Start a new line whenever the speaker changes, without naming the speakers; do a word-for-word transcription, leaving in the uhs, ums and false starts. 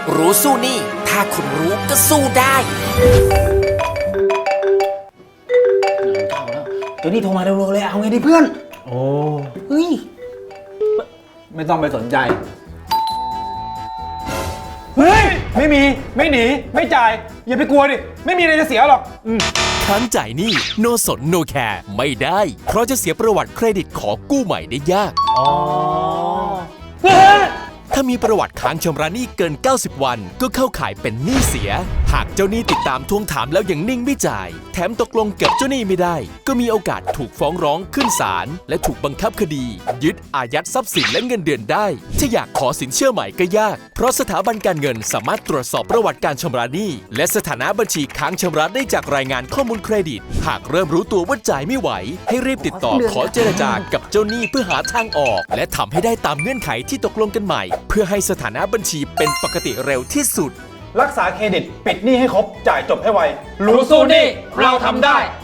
รู้สู้หนี้ถ้าคุณรู้ก็สู้ได้
ตัวนี้โทรมาเร็วๆเลยเอาไงดีเพื่อนโอ้เฮ้ยไม่ต้องไปสนใจเฮ้ยไม่มีไม่หนีไม่จ่ายอย่าไปกลัวดิไม่มีอะไรจะเสียหรอก
ค้างจ่ายหนี้ no สน no care ไม่ได้ เพราะจะเสียประวัติเครดิตขอกู้ใหม่ได้ยาก
อ๋อ
ถ้ามีประวัติค้างชำระหนี้เกิน เก้าสิบ วันก็เข้าข่ายเป็นหนี้เสีย หากเจ้าหนี้ติดตามทวงถามแล้วยังนิ่งไม่จ่าย แถมตกลงกับเจ้าหนี้ไม่ได้ ก็มีโอกาสถูกฟ้องร้องขึ้นศาลและถูกบังคับคดี ยึดอายัดทรัพย์สินและเงินเดือนได้ ถ้าอยากขอสินเชื่อใหม่ก็ยาก เพราะสถาบันการเงินสามารถตรวจสอบประวัติการชำระหนี้และสถานะบัญชีค้างชำระได้จากรายงานข้อมูลเครดิต หากเริ่มรู้ตัวว่าจ่ายไม่ไหว ให้รีบติดต่อขอเจรจากับเจ้าหนี้เพื่อหาทางออก และทำให้ได้ตามเงื่อนไขที่ตกลงกันใหม่ เพื่อให้สถานะบัญชีเป็นปกติเร็วที่สุด
รักษาเครดิตปิดหนี้ให้ครบจ่ายจบให้ไวรู้สู้หนี้เราทำได้